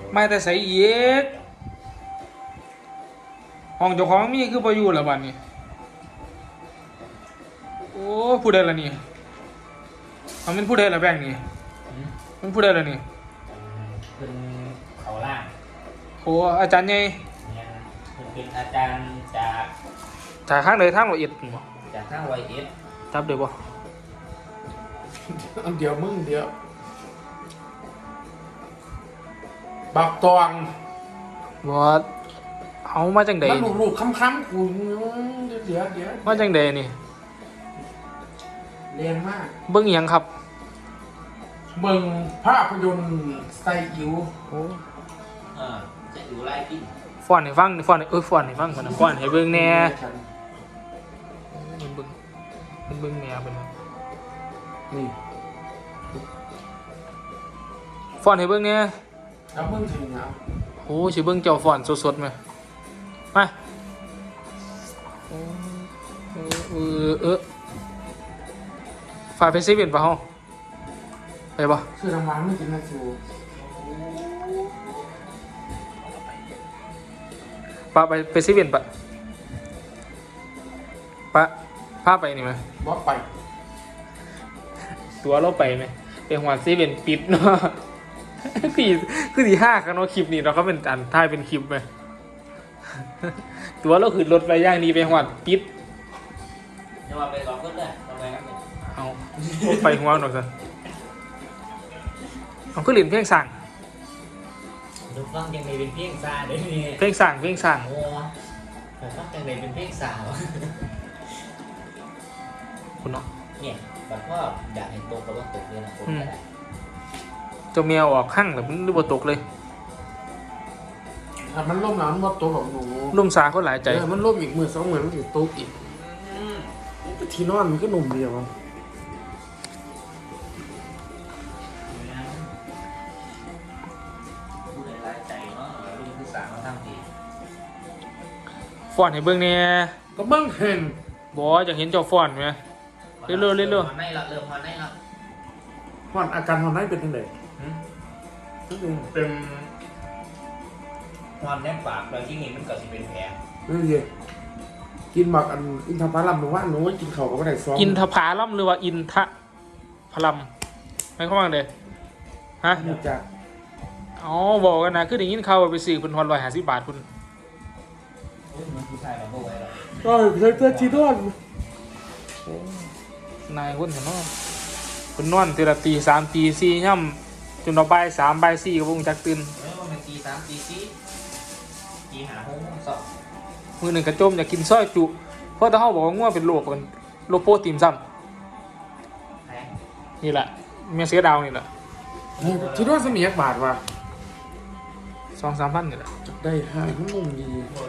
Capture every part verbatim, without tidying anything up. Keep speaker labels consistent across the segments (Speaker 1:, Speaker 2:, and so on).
Speaker 1: ไม่แต่ใส่เย็กห้องเจ้าของมีคือประยูละบัดนี้โอ้ผู้ใดล่ะนี่เอามันผู้ใดล่ะแบงค์นี่มันผู้ใดล่ะนี่
Speaker 2: เป็นเขาล่าง
Speaker 1: โอ้อาจารย์ใหญ่
Speaker 2: เนี่ยเป็นอาจารย์จาก
Speaker 1: จากข้างใดทางละเอียดบ่
Speaker 2: จากทางไวเอส
Speaker 1: จับได้บ่
Speaker 3: อันเดียวมึงเดียวบักตอง
Speaker 1: บ่เอามาจังได๋
Speaker 3: มันลูกๆค้ำๆกูเดี๋ยวเดี๋ยวเดี๋ยว
Speaker 1: มาจังได๋นี่
Speaker 3: แรงมาก
Speaker 1: เบิ่งอีหยังครับ
Speaker 3: เบิ่งภาพยนตร์ไซอิ๋ว
Speaker 1: โอ้
Speaker 2: อ่าจะอยู่ไล่กิน
Speaker 1: ฟ้อนให้ฟังฟ้อนให้เอ้ยฟ้อนให้ฟังก่อนนะฟ้อนให้เบิ่งแหน่มันเบิ่งมันเบิ่งแหน่เพิ่นว่า
Speaker 3: นี่
Speaker 1: ฟ้อนให้เบิ่งแหน่
Speaker 3: แล้วมึงถึงเอา
Speaker 1: โอ้สิเบิ่งเจ้าฟ้อนสดๆมั้ยมาโอ้เออเออฝากไปเซเว่นป่ะเฮาไปป่ะ
Speaker 3: ซื้อรางวัลไม่กินนะซู
Speaker 1: ปะไปไปเซเว่นปะปะพาไปนี่ไหม
Speaker 3: บ่ไป
Speaker 1: ตัวเราไปไหมไปหัวเซเว่นปิดเนาะคือคือที่ห้ากันเนาะคลิปนี้เราก็เป็นอันท้ายเป็นคลิปไหมตัวเราคือรถไปย่างดีไปหัวปิด
Speaker 2: อย่ามาไปสองคนเลยทำไมครับ
Speaker 1: เอาไปหัวหน่อยสิเอาก็เล่นเพลงสั่ง
Speaker 2: ดูฟังยังไงเป็นเพลงซาเดี๋ยวนี้
Speaker 1: เพลงสั่งเพลงสั่ง
Speaker 2: โอ้แต่ฟังยังไงเป็นเพลงสาว
Speaker 1: คุณเนาะ
Speaker 2: เนี่ยแบบว่าอยากเห็นตกกับว่าตกเลยนะผมก็ได้
Speaker 1: เจ้าแมวออกข้างแต่มันดูบ่ตกเลย
Speaker 3: ถ้ามันล่มหลังมันบ่ตกของหนู
Speaker 1: ล่มสาเขาหลายใจ
Speaker 3: เออมันล่มอีกมือสองมือมันถึงตกอีกที่นอนมันก็หนุ่มเดียว
Speaker 1: ฟอนให้เบิ่งเนี่ย
Speaker 3: ก็เบิ่งเห็น
Speaker 1: บ่อยากเห็นเจ้าฟอนไหมเรื่อยๆเรื่อย
Speaker 2: ๆไม่ละเริ่มมาได้ละ
Speaker 3: ฮอนอาการฮอนได้เป็นยังไง
Speaker 2: เป็นฮอนแนบปากแล้วที่นี่มันก็จะเป็นแผล
Speaker 3: นี่สิกินหมักอันอินทผลัมหนูว่าหนูกินข้าวก็ไม่ได้ซ้อม
Speaker 1: อินทผลัมหรือว่าอินทผลัมไม่เข้ามาเลยฮะ
Speaker 3: จาก
Speaker 1: อ๋อบอกกันนะคืออย่างนี้เขาไปซื้อเป็นฮอนร้อยห้าสิบบาทคุณ
Speaker 2: ผู้ชายมาโบไว้แล้ว
Speaker 3: ก็ใช้เสื้อชีนอน
Speaker 1: นายคนเห็นเนาะคนนอนเทละตีสามตีสี่ย่ำจนเราใบสามใบสี่ก็วงจักตื่น
Speaker 2: เออมันตีสามตีสี่ตีหาห้องสอบ
Speaker 1: มือหนึ่งกระจมอยากกินซอยจุเพราะถ้าเขาบอกว่าง่วงเป็นโรคเป็นโรคโปรตีนซ้ำนี่แหละเมียเสียดาวนี่แหละ
Speaker 3: ชีนอนสมียักบาทว่ะ
Speaker 1: สองสามพันนี่แหละ
Speaker 3: ได้ห้ามันนุ่มดี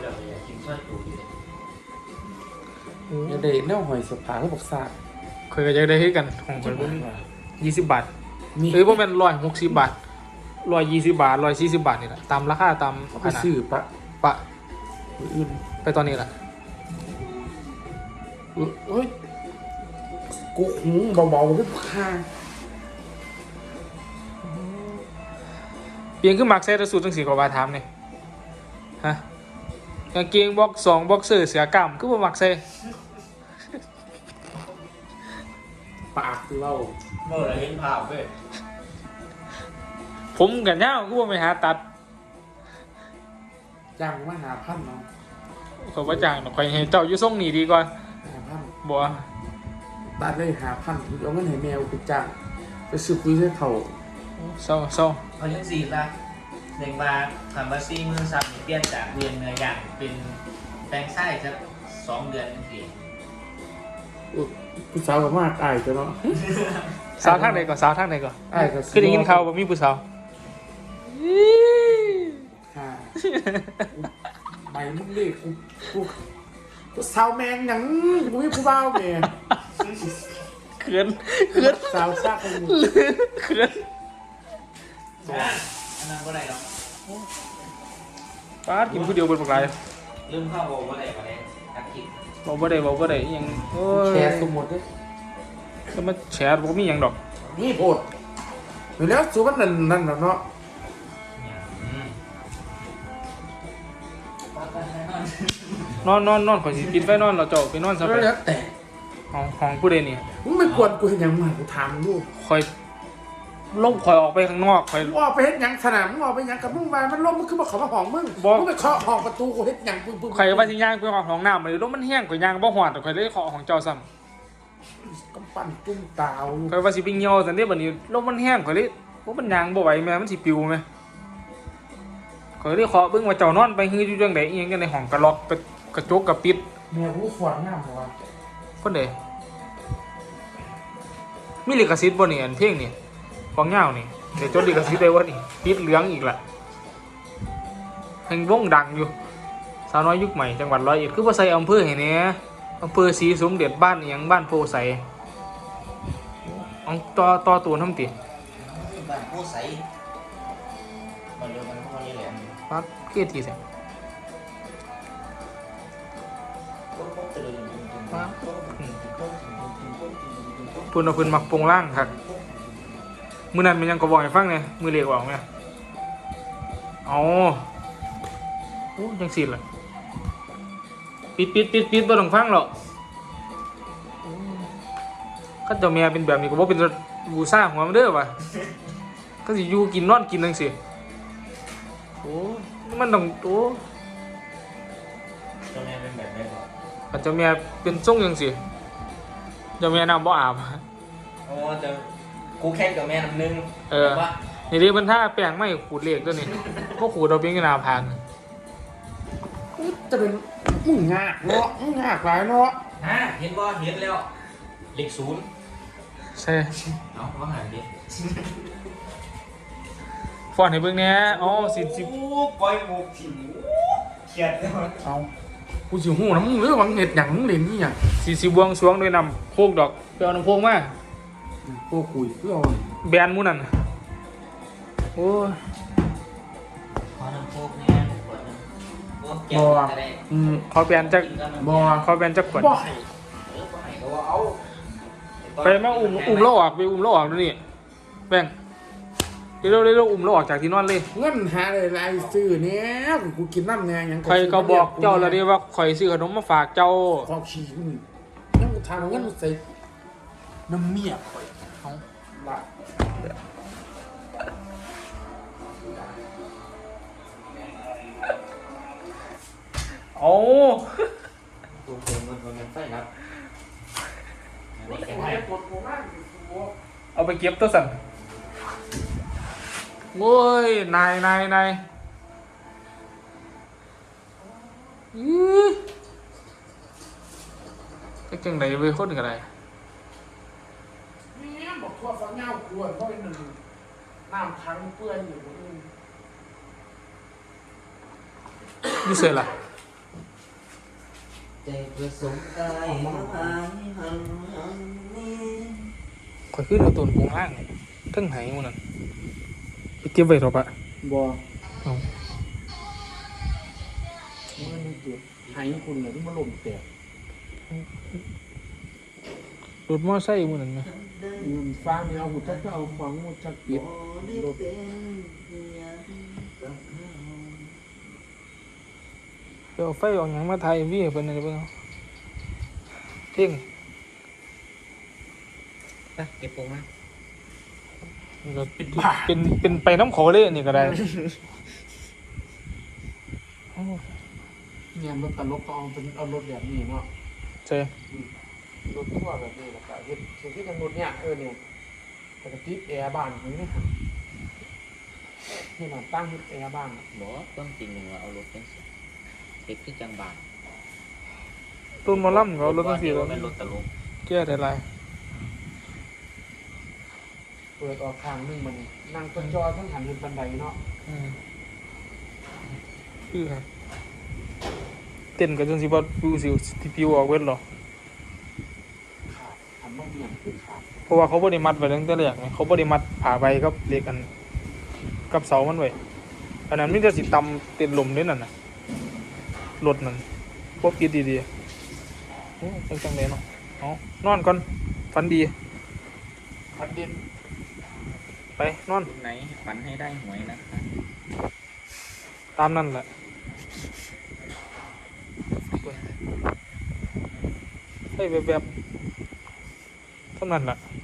Speaker 3: อย่าเด็ดแนวหอยสปาก็บอกซา
Speaker 1: เคยก็จะได้ให้กันของคนพวกนี้ยี่สิบบาทเอ้ยพวกมันร้อยหกสิบบาทร้อยยี่สิบบาทร้อยสี่สิบบาทนี่แหละตามราคาตาม
Speaker 3: ขนาดซื้อปะ
Speaker 1: ปะอื่นไปตอนนี้แหละ
Speaker 3: เฮ้ยกูหูเบาๆขึ้นข้าง
Speaker 1: เปลี่ยนขึ้นมักเซตสูตรตั้งสี่กว่าบาทถามเนี่ยฮะกางเกงบ็อกสองบ็อกเซอร์เสือกล้ามก็บ่มักเซ
Speaker 3: ปากคือเล่า
Speaker 2: เมื่อไรเห็นภาพเว้ย
Speaker 1: ผมกันเน่าก็บ่ไปหาตัด
Speaker 3: จ้างมาหาพันเนาะ
Speaker 1: เขาว่าจ้างคอยให้เจ้าอยู่ส่งนี่ดีกว่า
Speaker 3: หาพัน
Speaker 1: บ่
Speaker 3: ตัดเลยหาพันเอาเงินให้แมวไปจ้างไปซื้อปุ๋ยให้เขา
Speaker 1: เศร้าเศร้า
Speaker 2: เอายังสี่ละหนึ่งมาทำมาซี่มือซับเปลี่ยนจากเรียนเนื้อย่างเป็นแปลงไส้สักสองเดือนนึงที
Speaker 3: ผู้สาวกับมากอายจ้ะเนาะ
Speaker 1: สาวทางไหนก่อนสาวทางไหนก่อนอายก็คือได้ยินข่าวว่ามีผู้สาว
Speaker 3: ใบมึงดิกูกูกูสาวแมงหยังกูไม่ผู้บ่าวแม่
Speaker 1: เขินเขิน
Speaker 3: สาวซากคนนี้
Speaker 1: เขิน
Speaker 2: อันนั้นก็ได้หรอก
Speaker 1: ป้ากินผู้เดียวบนปากไหล
Speaker 2: ลืมเข้าบอกว่าอะไรก็ได้ทักคิด
Speaker 1: บอกว่าได้บอกว่าได้ยัง
Speaker 3: แชร์สมมติด้วย
Speaker 1: ก็มาแชร์บอกมียังดอก
Speaker 3: นี่โพดอยู่แล้วสูบมันนั่นนั่นเนาะ
Speaker 1: นอนนอนนอนข่อยสิปิดไฟนอนเราเจ้าไปนอนซะไป
Speaker 3: แล้วแต่
Speaker 1: ของของผู้ใดนี่
Speaker 3: มึงไม่กวนกูเห็นยังมากูถามลูก
Speaker 1: ข่อยลงข่อยออกไปข้างนอกข่อย
Speaker 3: มึงออกไปเฮ็ดหยังสนามมึงออกไปหยังกับมึงมามันล้มมึงคือมาขอมาห้องมึง
Speaker 1: บ่
Speaker 3: มึงไปเคาะห้องประตูกูเฮ็ดหยังปึ้งปึ้ง
Speaker 1: ข่อยว่าสิย่างไปห้องห้องน้ำเลยลมมันแห้งข่อยย่างบ่ฮอดข่อยเลยขอของเจ้าซ้ำ
Speaker 3: กำปั้นจุ้มตาว
Speaker 1: ข่อยว่าสิไปเหี่ยวซั่นเด้บัดนี้ลมมันแห้งข่อยเลยบ่มันย่างบ่ไหวแม่มันสิปิวแม่ข่อยเลยขอเบิ่งว่าเจ้านอนไปฮืออยู่จังได๋อีหยังกันในห้องกระล็อกกระกระจกกระปิด
Speaker 3: แม่กูฝวนงามบ่วะ
Speaker 1: คนใดมีลิขสิทธิ์บ่นี่อันเพลงนี่ของยาวนี่เดี๋ยวจดลิขสิทธิ์ได้บ่นี่ปิดเหลืองอีกล่ะแห่งวงดังอยู่สาวน้อยยุคใหม่จังหวัดร้อยเอ็ดคือบ่ใส่อำเภอให้แหน่อำเภอศรีสมเด็จบ้านอีหยังบ้านโพไสเอาต่อต่อตัวทำติ
Speaker 2: บ้านผู้ใสบ้านเดียวกันพวกนี้แหละ
Speaker 1: ปัดเกียรติแท้
Speaker 2: พวกพวกเจริญ
Speaker 1: ปัดอืมเพิ่นเอาเพิ่นมักโปรงล่างคักมื้อนั้นมันยังก็บอกให้ฟังแหน่มื้อเลขออกแหน่เอาโอ้จังซี่ล่ะปิดปิดปิดปิดบ่ต้องฟังหรอกคันเจ้าแม่เป็นแบบนี้ก็บ่เป็นบูซ่าหัวมันเด้อว่ะก็สิอยู่กินนอนกินจังซี่โอ้มันต้องโอ้
Speaker 2: เจ้าแม่เป็นแบบนี้หรอ
Speaker 1: คันเจ้าแม่เป็นทรงจังซี่เจ้าแม่น้ำบ่อาบ
Speaker 2: โอ้แต่กูแค่กับแม่น้ำนึง
Speaker 1: เออ
Speaker 2: ว่า
Speaker 1: นี่เรียกมันท่าแป้งไม่ขูดเลขตัวนี้พวกขูดเราเป็นกระนาพัน
Speaker 3: จะเป็นมึงงากเนาะมึงงากหลายเนาะ
Speaker 2: ฮะเห็นบ่เห็นแล้วเลขศูนย์
Speaker 1: ใช่
Speaker 2: เอาว่าหันดิ
Speaker 1: ฟอนให้เบิ่งแหน่อ๋อสิสิ
Speaker 2: โอ้ปล่อยหมูถิ่นเขียดเลย
Speaker 3: เอากูสิหูนะมึงเรื่องวังเห็ดหยังมึงเล่นนี่หยัง
Speaker 1: สิสิบวงสรวงด้วยนำโคกดอกไปเอาน้ำโคกมา
Speaker 3: พวกคุยเพื่อเอา
Speaker 1: แบนหมูนั่นโอ้ย
Speaker 2: ขอน้ำโคกเนี่ยขวดนึงโอ้แก้วจะได้
Speaker 1: อืมขอแบนจัก
Speaker 3: บ่
Speaker 1: ขอแบนจักขวด
Speaker 3: บ่
Speaker 2: เออบ่ให้ก็ว่าเอา
Speaker 1: ไปมาอุ้มอุ้มเราออกไปอุ้มเราออกดูนี่แบ่งเร็วๆเร็วๆอุ้มเราออกจากที่นอนเลย
Speaker 3: เงินหาอะไรไรซื้อเนี่ยกูกินน้ำแน่หยัง
Speaker 1: ใครก็บอกเจ้าแล้วดิว่าข่อยซื้อขนมมาฝากเจ้า
Speaker 3: ขอขี้มึงนั่งทางเงินใส่น้ำเมียข่อย
Speaker 1: เอา
Speaker 3: ละ
Speaker 1: เอา
Speaker 2: ตัวเติมเงินเงินไฟครับอันนี้แค่ไหน
Speaker 3: กดโมมาก
Speaker 1: เอาไปเก็บตัวสั่นโอ้ยนายนายนายอื้อจะจังไหนไปคนกันไร
Speaker 3: เนี่ยบอกทั่วฟังเงาขวดเพราะเป็นหนึ่งน้ำค้างเปื้อนอยู่บนอื่น
Speaker 1: นี่เสร็จละ
Speaker 2: ใจประสงค์กายหายหันหันนี้
Speaker 1: ข่อยขึ้นเอาตัวโปงล่างทั้งไหมันนั่นไปเก็บไว้เถอะปะ
Speaker 3: บ่
Speaker 1: เอา
Speaker 3: มันเกิดหายคุณเลยที่มันลมแตก
Speaker 1: รถมอไซค์มันนั่นไหม
Speaker 3: อืมฟังเนี่ยเอาหุ่นจักก็เอาฟังหุ่นจักปิดรถ
Speaker 1: ไปเอาไฟออกหยังมาถ่ายวีให้เพิ่นนั่นเพิ่นเอาเพ่ง
Speaker 2: ไปเก็บปงมา
Speaker 1: นี่ก็เป็นเป็นไปน้ำขอเลยอันนี่ก็ได้โอ้
Speaker 3: เนี่ยรถตลกก็เอาเป็นเอารถแบบนี้เนาะ
Speaker 1: ใช่
Speaker 3: รถทั่วแบบนี้แล้วก็เฮ็ดสิ่งที่ทางรถเนี่ยเออเนี่ยแต่ก็ติดแอร์บ้านอย่างนี้ค่ะนี่มันตั้งแอร์บ้าน
Speaker 2: บอกต้นจริงหนึ่งว่าเอารถเป็นสิเด็กที่จังบาน
Speaker 1: ต้นหมอลำก็เอารถตั้งสี่แล้ว
Speaker 2: เป็นรถตลก
Speaker 1: แก้ได้ไร
Speaker 3: เปิดออกทางนึงมันนั่งต้นจอทั้งหันเห็นบันไดเนาะ
Speaker 1: อืมคือครับเต้นกันจนสิบ่ปิวสิที่ปิวออกเวทหรอ
Speaker 3: ขาดหันมาเบี่ยงคือขาด
Speaker 1: เพราะว่าเขาบ่ได้มัดไว้ตั้งแต่แรกไงเขาบ่ได้มัดผ่าใบกับเหล็กอันกับเสามันไว้อันนั้นมันจะสิตำเต็นลมด้วยนั่นน่ะรถนั่นบ่ปิดดีๆโอ้จังจังเลยเนาะเอานอนก่อนฝันดี
Speaker 3: พัดเด่น
Speaker 1: ไปนอน
Speaker 2: ไหนฝันให้ได้หวยนะคะ
Speaker 1: ตามนั่นแหละเฮ้ยแบบแบบๆเท่านั้นล่ะ